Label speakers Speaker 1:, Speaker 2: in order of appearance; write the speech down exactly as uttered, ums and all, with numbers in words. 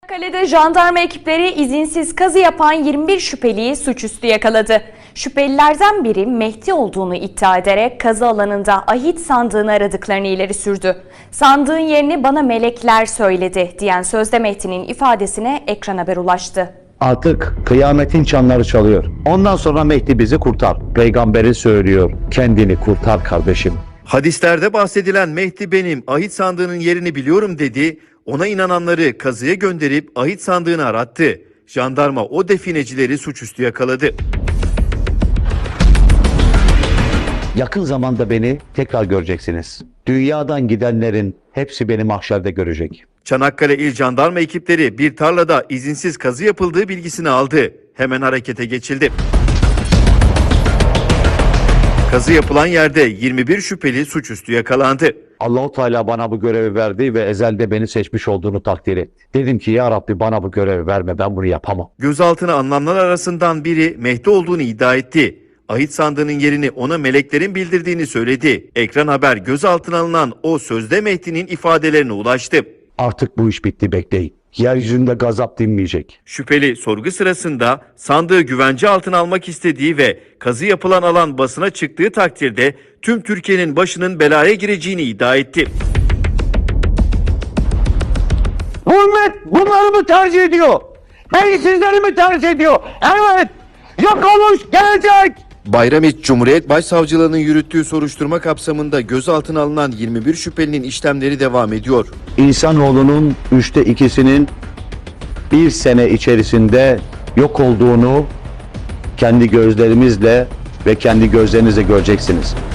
Speaker 1: Çanakkale'de jandarma ekipleri izinsiz kazı yapan yirmi bir şüpheliyi suçüstü yakaladı. Şüphelilerden biri Mehdi olduğunu iddia ederek kazı alanında ahit sandığını aradıklarını ileri sürdü. Sandığın yerini bana melekler söyledi diyen sözde Mehdi'nin ifadesine Ekran Haber ulaştı.
Speaker 2: Artık kıyametin çanları çalıyor. Ondan sonra Mehdi bizi kurtar. Peygamberi söylüyor. Kendini kurtar kardeşim.
Speaker 3: Hadislerde bahsedilen Mehdi benim, ahit sandığının yerini biliyorum dedi. Ona inananları kazıya gönderip ahit sandığını arattı. Jandarma o definecileri suçüstü yakaladı.
Speaker 2: Yakın zamanda beni tekrar göreceksiniz. Dünyadan gidenlerin hepsi beni mahşerde görecek.
Speaker 3: Çanakkale İl Jandarma ekipleri bir tarlada izinsiz kazı yapıldığı bilgisini aldı. Hemen harekete geçildi. Kazı yapılan yerde yirmi bir şüpheli suçüstü yakalandı.
Speaker 2: Allah-u Teala bana bu görevi verdi ve ezelde beni seçmiş olduğunu takdir etti. Dedim ki ya Rabbi bana bu görevi verme, ben bunu yapamam.
Speaker 3: Gözaltına alınanlar arasından biri Mehdi olduğunu iddia etti. Ahit sandığının yerini ona meleklerin bildirdiğini söyledi. Ekran Haber gözaltına alınan o sözde Mehdi'nin ifadelerine ulaştı.
Speaker 2: Artık bu iş bitti, bekleyin. Yeryüzünde gazap dinmeyecek.
Speaker 3: Şüpheli sorgu sırasında sandığı güvence altına almak istediği ve kazı yapılan alan basına çıktığı takdirde tüm Türkiye'nin başının belaya gireceğini iddia etti.
Speaker 2: Hürmet bunları mı tercih ediyor? Beni sizleri mi tercih ediyor? Evet! Yok olmuş gelecek!
Speaker 3: Bayramiç Cumhuriyet Başsavcılığı'nın yürüttüğü soruşturma kapsamında gözaltına alınan yirmi bir şüphelinin işlemleri devam ediyor.
Speaker 2: İnsanoğlunun üçte ikisinin bir sene içerisinde yok olduğunu kendi gözlerimizle ve kendi gözlerinizle göreceksiniz.